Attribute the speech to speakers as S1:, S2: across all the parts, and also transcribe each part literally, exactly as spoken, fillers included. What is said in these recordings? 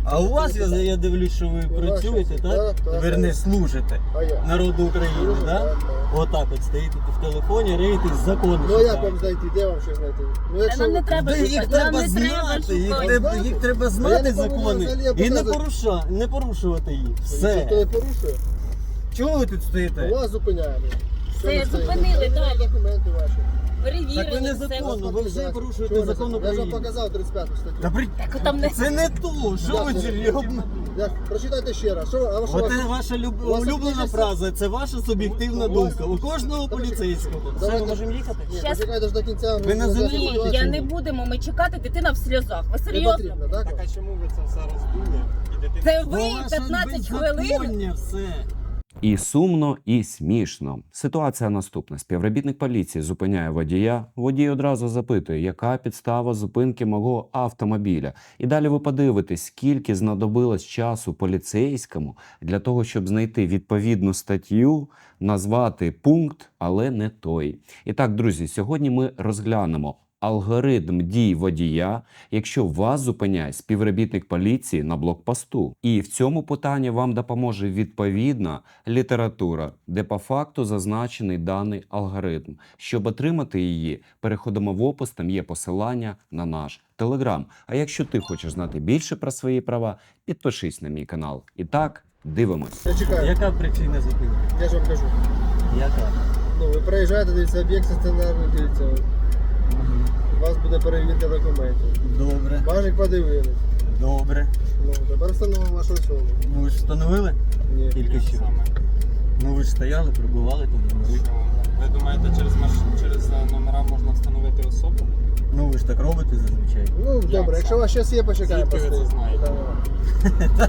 S1: А у вас, я, я дивлюсь, що ви
S2: У нас
S1: працюєте,
S2: щось,
S1: так?
S2: так, так,
S1: Верне,
S2: так.
S1: служите
S2: А я?
S1: народу України,
S2: Служу,
S1: так?
S2: так, так.
S1: Отак от стоїте в телефоні, реєтесь закони.
S2: Ну а як
S1: шукаєте.
S2: вам знайти? Де вам ще знайти? Ну
S3: Та нам не треба
S1: Та їх
S3: шукати,
S1: треба
S3: нам не треба
S1: знати, їх
S3: шукати.
S1: треба,
S2: Знати?
S1: їх треба
S2: А я
S1: знати
S2: не повинен
S1: закони
S2: взагалі, я
S1: і не,
S2: показую.
S1: поруша, не порушувати їх.
S2: Все.
S1: Все.
S2: Ніхто не порушує?
S1: Чого ви тут стоїте?
S2: Вас зупиняємо. Що
S3: Все,
S2: ви стоїте?
S3: зупинили,
S2: Перевіряємо
S3: далі.
S2: документи ваші.
S3: Перевірили
S1: Так ви
S3: все.
S1: незаконно, ви вже порушуєте
S2: Чого
S1: закон
S2: незаконно? Я ж вам
S1: України.
S2: показав тридцять п'яту статтю.
S1: Та при...
S3: Так там не...
S1: Це не то, що ви
S2: Як це?
S1: серйозно?
S2: Як? Прочитайте ще раз. Що, а що у вас?
S1: Оце ваша люб...
S2: у вас
S1: улюблена
S2: якісь-
S1: фраза, це ваша суб'єктивна
S2: У вас-
S1: думка. У кожного
S2: Давайте-
S1: поліцейського. Все,
S2: Давайте-
S1: ми можемо їхати?
S2: Ні,
S3: Щас-
S2: почекайте ж до кінця.
S1: Ви на землі?
S3: Ні, я не будемо, ми чекати, дитина в сльозах. Ви
S2: Не
S3: серйозно?
S2: потрібно, так?
S4: Так а чому ви це все роздули? І дитина...
S3: Це
S1: Бо
S3: ви
S1: ваше
S3: п'ятнадцять хвилин?
S1: беззаконня все.
S5: І сумно, і смішно. Ситуація наступна. Співробітник поліції зупиняє водія. Водій одразу запитує, яка підстава зупинки мого автомобіля. І далі ви подивитесь, скільки знадобилось часу поліцейському для того, щоб знайти відповідну статтю, назвати пункт, але не той. І так, друзі, сьогодні ми розглянемо алгоритм дій водія, якщо вас зупиняє співробітник поліції на блокпосту. І в цьому питанні вам допоможе відповідна література, де по факту зазначений даний алгоритм. Щоб отримати її, переходимо в опис, там є посилання на наш Телеграм. А якщо ти хочеш знати більше про свої права, підпишись на мій канал. І так, дивимось.
S2: Я чекаю.
S1: Яка причина зупинки?
S2: Я ж вам кажу.
S1: Яка?
S2: Ну, ви приїжджаєте, дивіться, об'єкт стаціонарний, дивіться. У вас буде перевірка документів.
S1: Добре,
S2: Бажик подивились.
S1: добре.
S2: Ну, тепер встановимо вашу особу.
S1: Ну ви ж встановили?
S2: Ні.
S1: Тільки що.
S4: Саме.
S1: Ну ви ж стояли, прибували там. Ну, ви-
S4: Що? Ви думаєте, через, маш... через е, номера можна встановити особу?
S1: Ну ви ж так робите зазвичай.
S2: Ну, добре,
S4: це?
S2: якщо у вас щось є, почекаємо.
S4: Звідки ви це
S2: постоїть.
S4: знаєте?
S2: Питання.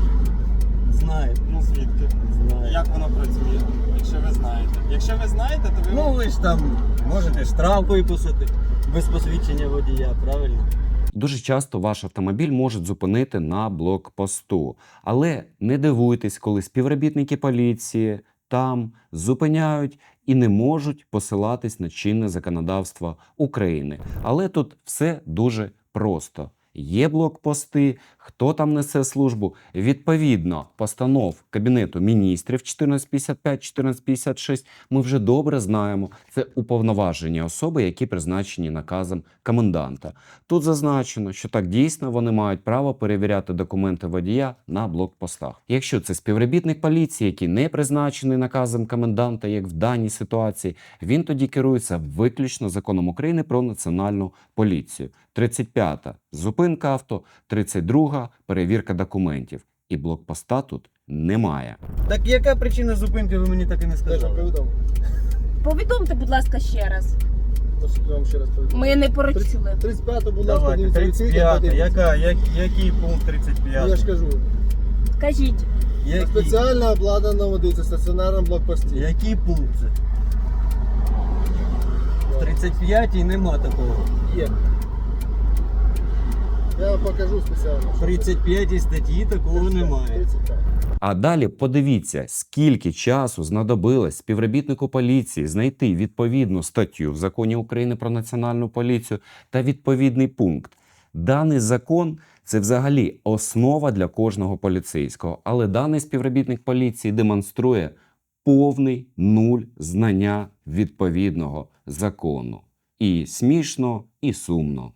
S1: Знаю.
S4: Ну звідки?
S1: Знаю.
S4: Як воно працює? Якщо ви знаєте. Якщо ви знаєте, то ви...
S1: Ну ви ж там можете штраф виписати без посвідчення водія, правильно?
S5: Дуже часто ваш автомобіль можуть зупинити на блокпосту. Але не дивуйтесь, коли співробітники поліції там зупиняють і не можуть посилатись на чинне законодавство України. Але тут все дуже просто. Є блокпости, хто там несе службу. Відповідно, постанов Кабінету міністрів чотирнадцять п'ятдесят п'ять, чотирнадцять п'ятдесят шість ми вже добре знаємо. Це уповноважені особи, які призначені наказом коменданта. Тут зазначено, що так дійсно вони мають право перевіряти документи водія на блокпостах. Якщо це співробітник поліції, який не призначений наказом коменданта, як в даній ситуації, він тоді керується виключно законом України про національну поліцію. тридцять п'ята зупинка авто, тридцять друга перевірка документів. І блокпоста тут немає.
S1: Так яка причина зупинки, ви мені так і не
S2: Теж вам
S1: сказали?
S2: повідомлю.
S3: Повідомте, будь ласка, ще раз.
S2: Тож я вам ще раз повідомлю.
S3: Ми не поручили.
S2: тридцять п'яту, будь ласка,
S1: Давайте,
S2: дивіться,
S1: тридцять
S2: відкрийте,
S1: п'ята,
S2: подивіться.
S1: яка, як, який пункт тридцять
S2: Ну, я ж
S1: п'ятий?
S2: кажу.
S3: Кажіть.
S2: На
S1: Який?
S2: спеціально обладнаному, дивіться, стаціонарному блокпості.
S1: Який пункт це? В тридцять п'ятій нема такого.
S2: Є. Я вам покажу спеціально.
S1: В тридцять п'ятій статті такого немає.
S2: тридцять п'ять.
S5: А далі подивіться, скільки часу знадобилось співробітнику поліції знайти відповідну статтю в Законі України про національну поліцію та відповідний пункт. Даний закон – це взагалі основа для кожного поліцейського, але даний співробітник поліції демонструє повний нуль знання відповідного закону. І смішно, і сумно.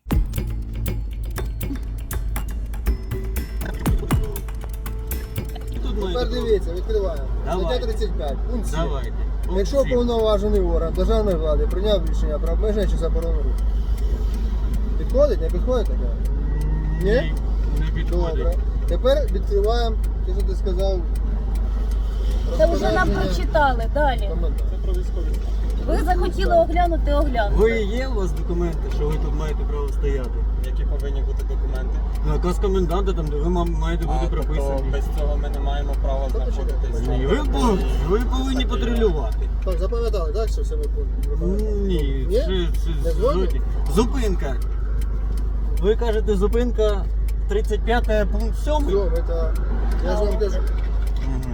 S1: Тут має
S2: Тепер
S1: такого.
S2: дивіться, відкриваємо.
S1: Давайте.
S2: Стаття тридцять п'ять, пункт сім.
S1: Давайте.
S2: Якщо
S1: Пункт сім.
S2: повноважений орган державної влади прийняв рішення про обмеження чи заборону руху. Підходить? Не підходить таке? Ні?
S1: Не
S2: Добре.
S1: підходить.
S2: Тепер відкриваємо, те, що ти сказав.
S3: Це вже нам
S2: розпорядження
S3: прочитали. Далі.
S2: коменданта.
S4: Це про військові стан.
S3: Ви захотіли оглянути, оглянути.
S1: Ви є у вас документи, що ви тут маєте право стояти?
S4: Які повинні бути документи?
S1: Наказ коменданта, там де ви ма- маєте бути
S4: А, тобто
S1: прописані.
S4: без цього ми не маємо права
S2: Та почекайте,
S4: знаходитись.
S1: Ні, ви, пов- ви повинні патрулювати.
S2: Так, запам'ятали, так, що все ми пункти?
S1: Ні,
S2: Ні?
S1: це,
S2: Не
S1: це
S2: згодні?
S1: згодні. Зупинка. Ви кажете, зупинка тридцять п'ята пункт сьомий?
S2: Все, це... Я ж вам кажу.
S1: Угу.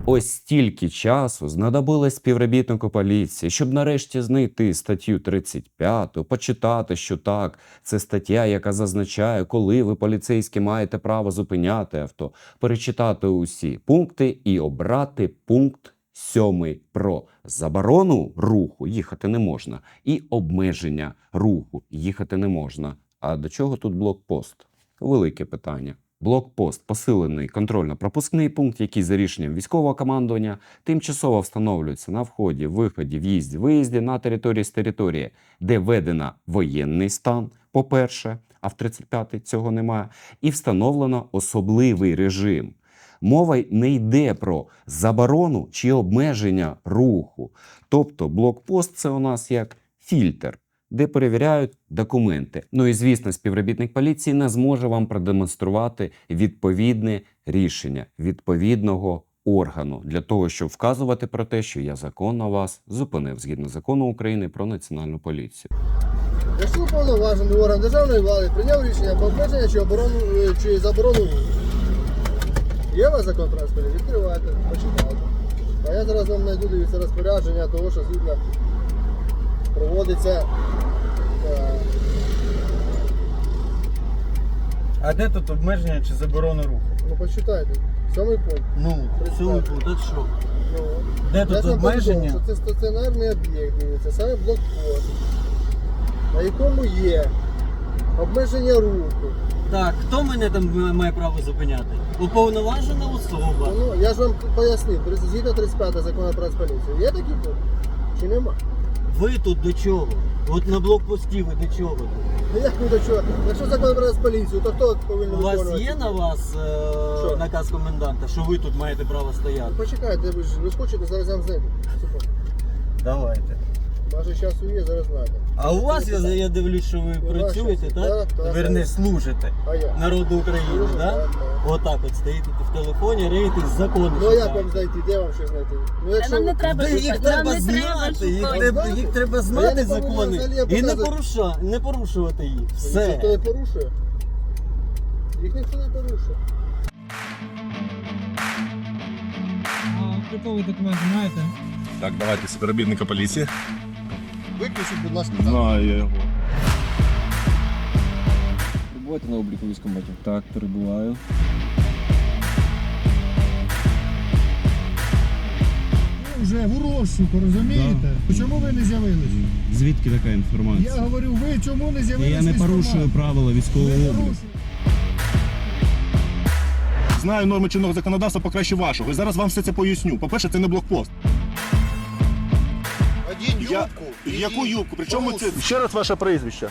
S5: Ось стільки часу знадобилось співробітнику поліції, щоб нарешті знайти статтю тридцять п'яту, почитати, що так, це стаття, яка зазначає, коли ви, поліцейські, маєте право зупиняти авто, перечитати усі пункти і обрати пункт сьомий про заборону руху, їхати не можна, і обмеження руху, їхати не можна. А до чого тут блокпост? Велике питання. Блокпост – посилений контрольно-пропускний пункт, який за рішенням військового командування тимчасово встановлюється на вході, виході, в'їзді, виїзді на території з території, де введено воєнний стан, по-перше, а в тридцять п'ятій цього немає, і встановлено особливий режим. Мова не йде про заборону чи обмеження руху. Тобто блокпост – це у нас як фільтр, де перевіряють документи. Ну і, звісно, співробітник поліції не зможе вам продемонструвати відповідне рішення відповідного органу для того, щоб вказувати про те, що я законно вас зупинив згідно закону України про національну поліцію.
S2: Якщо уповноважений орган державної влади прийняв рішення про обмеження чи, оборону, чи заборону руху, є у вас закон про розпорядження? Відкривайте, почитайте. А я зараз вам знайду, дивіться, розпорядження того, що згідно проводиться. е,
S1: А де тут обмеження чи заборона руху?
S2: Ну почитайте. Сьомий пункт.
S1: Ну, цьому пункт, от що?
S2: Ну,
S1: Де
S2: я
S1: тут
S2: ж вам
S1: обмеження?
S2: повідомив, що це стаціонарний об'єкт, дивіться, саме блокпост, на якому є обмеження руху.
S1: Так, хто мене там має право зупиняти? Уповноважена особа.
S2: Ну, я ж вам пояснив, згідно тридцять п'ятого закону про поліцію. Є такий пункт? Чи нема?
S1: Ви тут до чого? От на блокпості ви до чого тут?
S2: Ну як ви до чого? Якщо закон про поліцію, то хто повинен
S1: У вас
S2: виконувати?
S1: є на вас е-
S2: Що?
S1: наказ коменданта, що ви тут маєте право стояти?
S2: Почекайте, ви ж ви ж хочете, зараз я вам знайду. Секунду.
S1: Давайте.
S2: Ваше часу є, зараз знайду.
S1: А у вас, я, я дивлюсь, що ви
S2: У вас
S1: працюєте,
S2: щось?
S1: так?
S2: Так, так,
S1: Верне,
S2: так.
S1: служите
S2: А я?
S1: народу України,
S2: Служу,
S1: так?
S2: так, так.
S1: Отак от стоїте в телефоні, реєтесь закони.
S2: Ну а як
S1: шукаєте.
S2: вам знайти? Де вам ще знайти? Ну
S3: Та
S2: якщо
S3: нам не
S2: ви-
S3: треба
S1: Та їх
S3: шукати, нам
S1: треба
S3: не треба
S1: знати, їх
S3: шукати.
S1: треба,
S2: Знати?
S1: їх треба
S2: А я
S1: знати
S2: не повинен
S1: закони
S2: взагалі
S1: і не,
S2: показати.
S1: поруша, не порушувати їх.
S2: Їх
S1: Все.
S2: ніхто не порушує. Їх ніхто не порушує.
S1: Обліковий документ знаєте?
S6: Так, давайте співробітника поліції.
S2: Виключіть, будь ласка.
S6: Знаю я його.
S7: Перебуваєте на обліку військкоматів? Так, перебуваю.
S8: Вже в розшуку, розумієте? Чому ви не з'явились?
S7: Звідки така інформація?
S8: Я говорю, ви чому не з'явились?
S7: Я не
S8: в військкомат?
S7: порушую правила
S8: Ви
S7: військового обліку.
S8: порушуєте.
S6: Знаю норми чинного законодавства покраще вашого. І зараз вам все це поясню. По-перше, це не блокпост.
S2: Одінь
S6: Я... Яку юбку? Причому це... Ще раз ваше прізвище.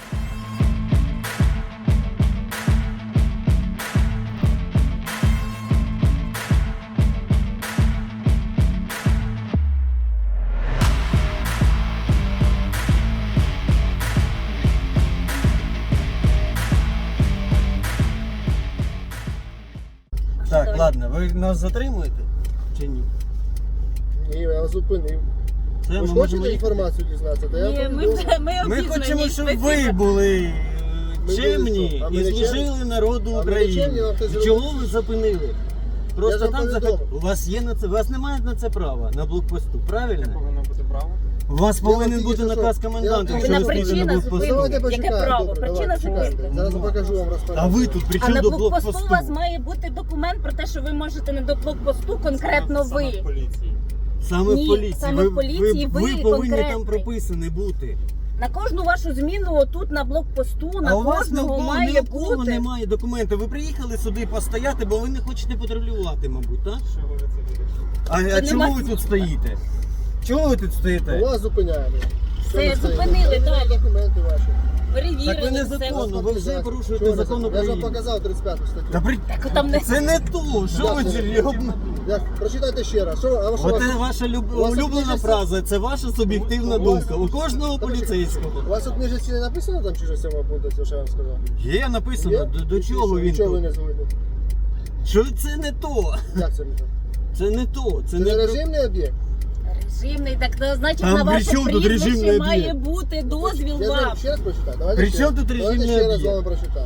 S1: Так,
S3: Давай.
S1: ладно, ви нас затримуєте чи ні?
S2: Ні, я вас зупинив.
S1: Це
S2: Ви
S1: ми
S2: ж
S1: можемо
S2: хочете
S1: їхати.
S2: інформацію дізнатися? Та я
S3: Ні, ми,
S2: повідомлю.
S3: вже- ми,
S1: Ми
S3: обізнані.
S1: хочемо, щоб
S3: Ми
S1: ви були е,
S2: Ми
S1: чемні
S2: були що? А ми
S1: і
S2: не
S1: служили
S2: чемні?
S1: народу
S2: А ми не
S1: України.
S2: чемні, вам хтось зробив?
S1: Чого ви зупинили? Просто
S2: ж вам
S1: там заход...
S2: повідомив.
S1: У вас є на це, у вас немає на це права на блокпосту, правильно?
S4: Повинно бути право.
S1: У вас
S2: Я вам
S1: повинен
S2: тільки
S1: бути
S2: що-
S1: наказ
S2: я вам
S1: коменданта,
S2: тільки
S1: якщо ви
S3: що-
S1: стоїте на
S3: Причина
S1: блокпосту.
S3: зупинки.
S2: Давайте
S3: Яке
S2: почекаємо.
S3: право?
S2: Добре,
S3: Причина
S2: давайте, чекайте.
S3: зупинки.
S2: Зараз я покажу вам розпорядження.
S1: А ви тут при
S3: А
S1: чому
S3: на
S1: до
S3: блокпосту
S1: блокпосту?
S3: у вас має бути документ про те, що ви можете не до блокпосту, конкретно
S4: Саме в
S3: ви.
S4: поліції.
S1: Саме
S3: Ні,
S1: в поліції.
S3: саме
S1: ви,
S3: в поліції
S1: ви,
S3: ви
S1: ви повинні
S3: конкретний.
S1: там прописані бути.
S3: На кожну вашу зміну отут на блокпосту, на
S1: а у вас ні в
S3: кожного
S1: кого,
S3: має
S1: ні в кого
S3: бути.
S1: немає документів. Ви приїхали сюди постояти, бо ви не хочете патрулювати, мабуть, так?
S4: Чого ви це будете?
S1: А, а
S3: Та
S1: чому
S3: нема-
S1: ви тут стоїте? Чого ви тут стоїте?
S2: Вас зупиняємо. Що
S3: Все,
S2: ви стоїте?
S3: зупинили, далі.
S2: Документи ваші.
S3: Перевірили.
S1: Так ви
S3: все.
S1: незаконно, ви вже
S2: Чого
S1: порушуєте
S2: ви
S1: закон
S2: це? Я ж вам
S1: України.
S2: показав тридцять п'яту статтю.
S1: Та при...
S3: Так там не
S1: Це не то, що ви
S2: Як це?
S1: серйозно?
S2: Як? Прочитайте ще раз. Що, а що у вас-
S1: Оце ваша люб...
S2: у вас
S1: улюблена
S2: тут
S1: фраза, це ваша суб'єктивна
S2: У вас-
S1: думка. У кожного
S2: Та
S1: поліцейського.
S2: У вас у книжці не написано там чи щось сьомого пункту, що я вам сказав?
S1: Є написано,
S2: Є?
S1: до, до чого він
S2: Нічого ви
S1: тут.
S2: не згодні.
S1: Що це не то?
S2: Як це не так?
S1: Це не то. Це
S2: Це
S1: не
S2: не
S1: про-
S2: режимний об'єкт?
S3: режимний, так то значить
S1: Там
S3: на
S1: при
S3: ваше
S1: чому тут режимний
S3: прізвище має
S1: об'єкт?
S3: бути дозвіл
S2: Я
S3: вам.
S2: вам ще раз прочитаю. Давайте
S1: При
S2: ще-
S1: чому тут
S2: давайте
S1: режимний
S2: ще раз
S1: об'єкт?
S2: вам прочитаю.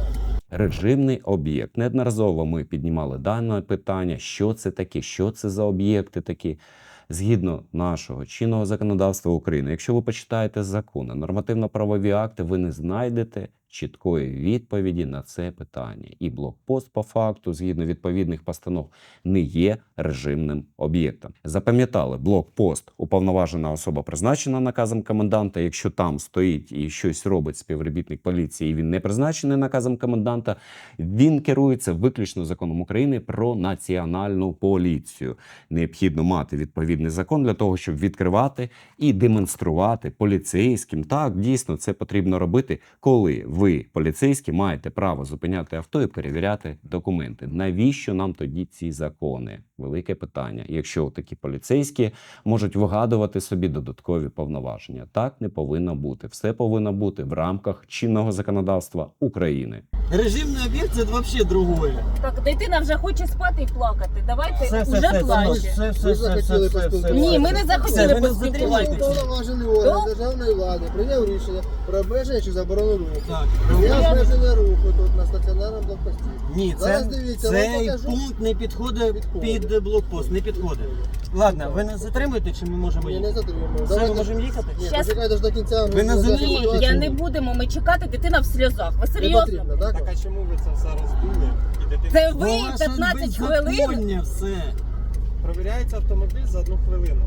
S5: Режимний об'єкт. Неодноразово ми піднімали дане питання, що це таке, що це за об'єкти такі. Згідно нашого чинного законодавства України, якщо ви почитаєте закони, нормативно-правові акти, ви не знайдете чіткої відповіді на це питання. І блокпост, по факту, згідно відповідних постанов, не є режимним об'єктом. Запам'ятали, блокпост – уповноважена особа, призначена наказом коменданта. Якщо там стоїть і щось робить співробітник поліції, і він не призначений наказом коменданта, він керується виключно законом України про національну поліцію. Необхідно мати відповідний закон для того, щоб відкривати і демонструвати поліцейським. Так, дійсно, це потрібно робити, коли ви, поліцейські, маєте право зупиняти авто і перевіряти документи. Навіщо нам тоді ці закони? Велике питання. Якщо такі поліцейські можуть вигадувати собі додаткові повноваження. Так не повинно бути. Все повинно бути в рамках чинного законодавства України.
S1: Режимний об'єкт це взагалі другое.
S3: Так, дитина вже хоче спати і плакати. Давайте
S1: Все, все,
S3: уже
S1: все,
S3: плаче.
S1: все, все,
S2: Ви
S1: все,
S2: захотіли
S1: все, все, все.
S2: поспілкуватися.
S3: Ні, ми не
S1: Все,
S3: захотіли
S1: ви не
S3: поспілкуватися.
S1: затримуєтеся.
S2: Уповноважений орган
S3: Ну?
S2: державної влади прийняв рішення про обмеження чи заборону руху.
S1: Так.
S2: Є обмеження руху тут на стаціонарному блокпості.
S1: Ні,
S2: Зараз
S1: це,
S2: дивіться, вам
S1: цей
S2: покажу.
S1: пункт не підходить
S2: Підходить.
S1: під блокпост, не підходить. Ладно, ви нас затримуєте чи ми можемо
S2: Ні, не
S1: їхати?
S2: затримуємо.
S1: Все, ми
S2: Давайте-
S1: можемо їхати?
S2: Ні,
S3: Щас-
S2: почекайте ж до кінця.
S1: Ви на землі?
S3: Ні, я не будемо. Ми чекати, дитина в сльозах. Ви
S2: Не
S3: серйозно?
S2: потрібно, так?
S4: Так а чому ви це зараз дули? І дитина
S3: Це ви
S1: Бо ваше
S3: п'ятнадцять хвилин.
S1: беззаконня все.
S4: провіряється автомобіль за одну хвилину.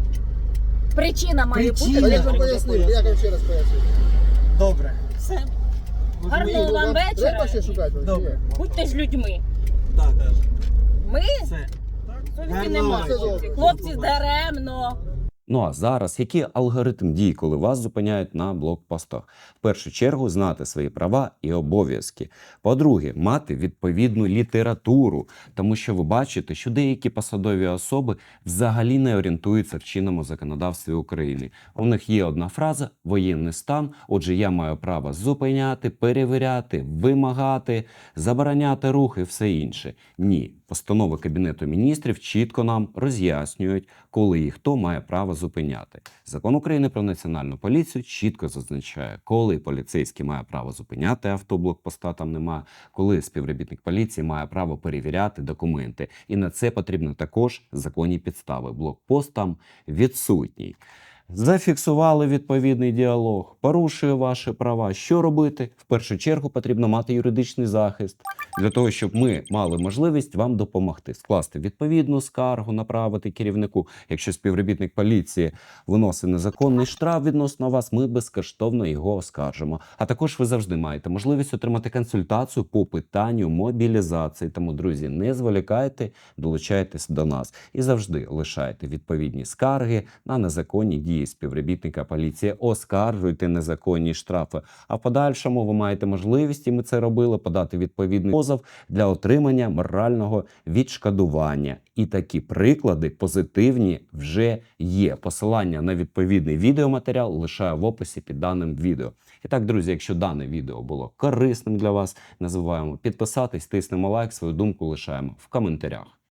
S3: Причина має
S1: Причина.
S2: Та
S3: бути.
S2: я ж вам пояснив, я вам ще раз поясню.
S1: Добре. Все. Можемо
S3: Гарного
S1: їхати?
S3: вам вечора.
S2: Треба ще шукати? вам, чи
S1: Добре.
S2: ні?
S3: Будьте ж людьми.
S1: Так, так.
S3: Ми
S1: Все.
S3: совісті
S1: Гарного
S3: немає.
S2: вечора.
S3: Хлопці, даремно.
S5: Ну а зараз, який алгоритм дій, коли вас зупиняють на блокпостах? В першу чергу, знати свої права і обов'язки. По-друге, мати відповідну літературу, тому що ви бачите, що деякі посадові особи взагалі не орієнтуються в чинному законодавстві України. У них є одна фраза – воєнний стан, отже, я маю право зупиняти, перевіряти, вимагати, забороняти рух і все інше. Ні. Постанови Кабінету міністрів чітко нам роз'яснюють, коли і хто має право зупиняти. Закон України про національну поліцію чітко зазначає, коли поліцейський має право зупиняти авто, блокпоста там немає, коли співробітник поліції має право перевіряти документи. І на це потрібно також законні підстави. Блокпост там відсутній. Зафіксували відповідний діалог, порушує ваші права. Що робити? В першу чергу потрібно мати юридичний захист, для того, щоб ми мали можливість вам допомогти. Скласти відповідну скаргу, направити керівнику. Якщо співробітник поліції виносить незаконний штраф відносно вас, ми безкоштовно його оскаржимо. А також ви завжди маєте можливість отримати консультацію по питанню мобілізації. Тому, друзі, не зволікайте, долучайтесь до нас. І завжди лишайте відповідні скарги на незаконні дії співробітника поліції, оскаржуйте незаконні штрафи. А в подальшому ви маєте можливість, і ми це робили, подати відповідний позов для отримання морального відшкодування. І такі приклади позитивні вже є. Посилання на відповідний відеоматеріал лишаю в описі під даним відео. І так, друзі, якщо дане відео було корисним для вас, не забуваємо підписатись, тиснемо лайк, свою думку лишаємо в коментарях.